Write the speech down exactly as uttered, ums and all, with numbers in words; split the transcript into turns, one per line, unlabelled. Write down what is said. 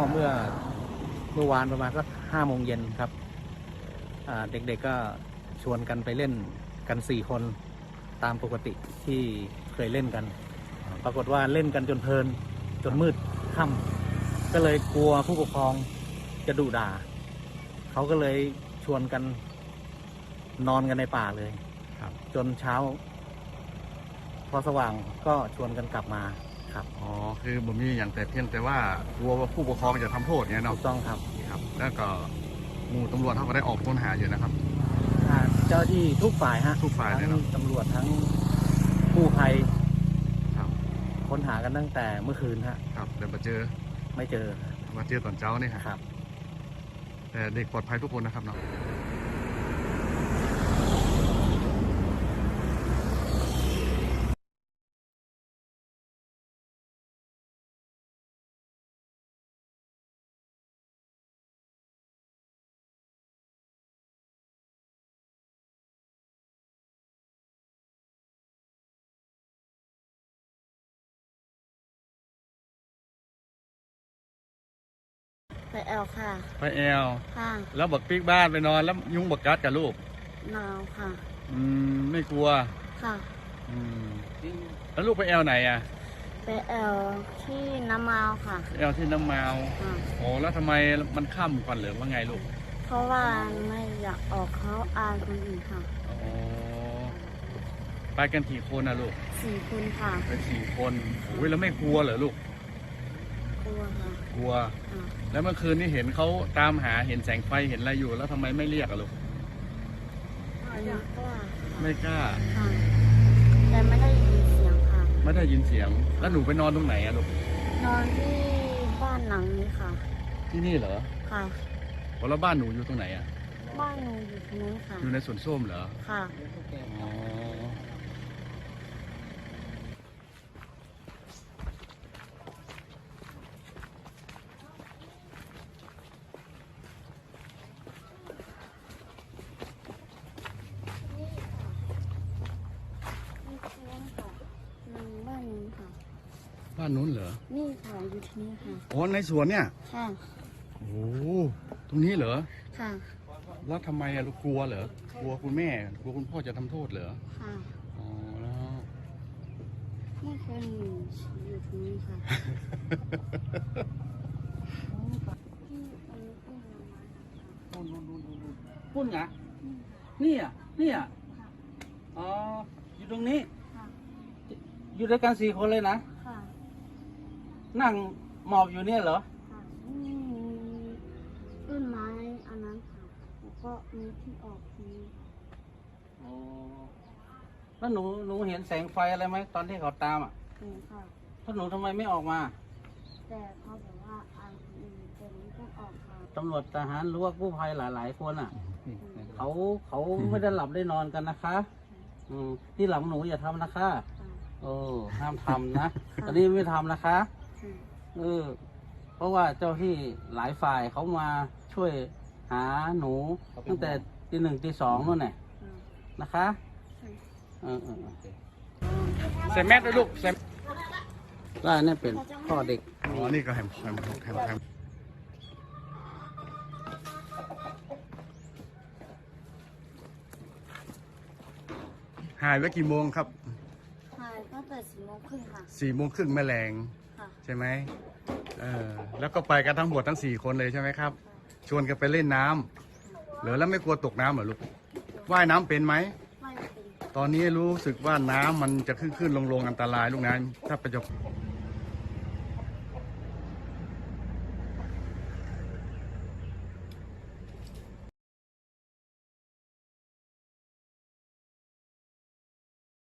เมื่อเมื่อวานประมาณสักห้าโมงเย็นครับเด็กๆก็ชวนกันไปเล่นกันสี่คนตามปกติที่เคยเล่นกันปรากฏว่าเล่นกันจนเพลินจนมืดค่ำก็เลยกลัวผู้ปกครองจะดุด่าเขาก็เลยชวนกันนอนกันในป่าเลยครับจนเช้าพอสว่างก็ชวนกันกลับมาครับ
อ๋อคือผมมีอย่างแต่เพียงแต่ว่ากลัวว่าผู้ปกครองจะทำโทษเนี่ยเนาะ
ถูกต้องครับ
ครับแล้วก็หมู่ตำรวจเขาก็ได้ออกค้นหาอยู่นะครับ
เจ้าที่ทุกฝ่ายฮะ
ทุกฝ่ายเลย
ทั้งตำรวจทั้งกู้ภัย
ครับ
ค้นหากันตั้งแต่เมื่อคืนฮะ
ครับแต่มาเจอ
ไม่เจอ
มาเจอตอนเช้านี่ครับแต่เด็กปลอดภัยทุกคนนะครับเนาะ
ไปแอลค่ะ
ไปแอล
ค่ะ
แล้วบักปิ๊กบ้านไปนอนแล้วยุงบักกัดกับลูก
หนาวค่ะ
อืมไม่กลัว
ค่ะ
อืมแล้วลูกไปแอลไหนอ่ะ
ไปแอลที่น้ำมาวค่ะ
แอลที่น้ำมาวโอ้แล้วทำไมมันค่ำก่อนหรือว่าไงลูก
เพราะว่าไม่อยากออกเขาอายคนอื่นค่ะ
อ๋อไปกันกี่คนนะลูก
สี่คนค่ะ
ไปสี่คนโอ้ยแล้วไม่กลัวเหรอลูก
กลัวค่ะ
กลัวแล้วเมื่อคืนนี้เห็นเขาตามหาเห็นแสงไฟเห็นอะไรอยู่แล้วทำไมไม่เรียกอะลูก
ไม่กล้า
ไม่กล้า
ค่ะแต่ไม่ได้ยินเสียงค่ะ
ไม่ได้ยินเสียงแล้วหนูไปนอนตรงไหนอะลูก
นอนที่บ้านหลังนี้ค่ะ
ที่นี่เหรอ
ค่ะ
แล้วบ้านหนูอยู่ตรงไหนอะ
บ้านหนูอยู่ตรงนี้ค่ะ
อยู่ในสวนส้มเหรอ
ค่ะ
อ๋อบ้านนู้นเหรอ
นี่ค่ะอยู่ที่นี่ค่ะ
อ๋อในสวนเนี่ย
ค่ะ
โอ้ตรงนี้เหรอ
ค่ะ
แล้วทำไมอะลูกกลัวเหรอกลัวคุณแม่กลัวคุณพ่อจะทำโทษเหรอ
ค่ะ
อ๋อแล้ว
ไม่เคยอยู่อยู่ที่นี่ค่ะ
ปุ้นไงนี่อ่ะนี่อ่ะอ๋ออยู่ตรงนี้อยู่ด้วยกันสี่คนเลยนะนั่งหมอบอยู่เนี่ยเหรอ
นี่ต้นไม้อันนั้นค่ะแล้วก็มีที่ออกที
อ๋อแล้วหนูหนูเห็นแสงไฟอะไรไหมตอนที่เขาตามอ่ะ
เห็นค่ะ
ถ้าหนูทำไมไม่ออกมา
แต่เขาบอกว่าอันนี้ตัวนี้ต้องออกค่ะ
ตำรวจทหารหรือว่ากู้ภัยหลายๆคนอ่ะเขาเขาไม่ได้หลับได้นอนกันนะคะอืมที่หลังหนูอย่าทำนะคะโอ้ห้ามทำนะตอนนี้ไม่ทำนะคะเออเพราะว่าเจ้าที่หลายฝ่ายเขามาช่วยหาหนูตั้งแต่ตีหนึ่งตีสองนู่นแหละนะคะเออเออใส่แมสด้วยลูกใส่ได้นี่เป็นพ่อเด็ก
อ๋อนี่ก็แฮมแฮมแฮมแฮมหายไปกี่โมงครับ
หายตั้งแต่สี่โมงครึ่งค่ะ
สี่โมงครึ่งแมลงใช่ไหมเออแล้วก็ไปกันทั้งหมดทั้งสี่คนเลยใช่ไหมครับชวนกันไปเล่นน้ำเหลือแล้วไม่กลัวตกน้ำเหรอลูกว่ายน้ำเป็นไหม
ไม่เป็น
ตอนนี้รู้สึกว่าน้ำมันจะขึ้นขึ้นลงลงอันตรายลูกน้ำถ้าไปจะ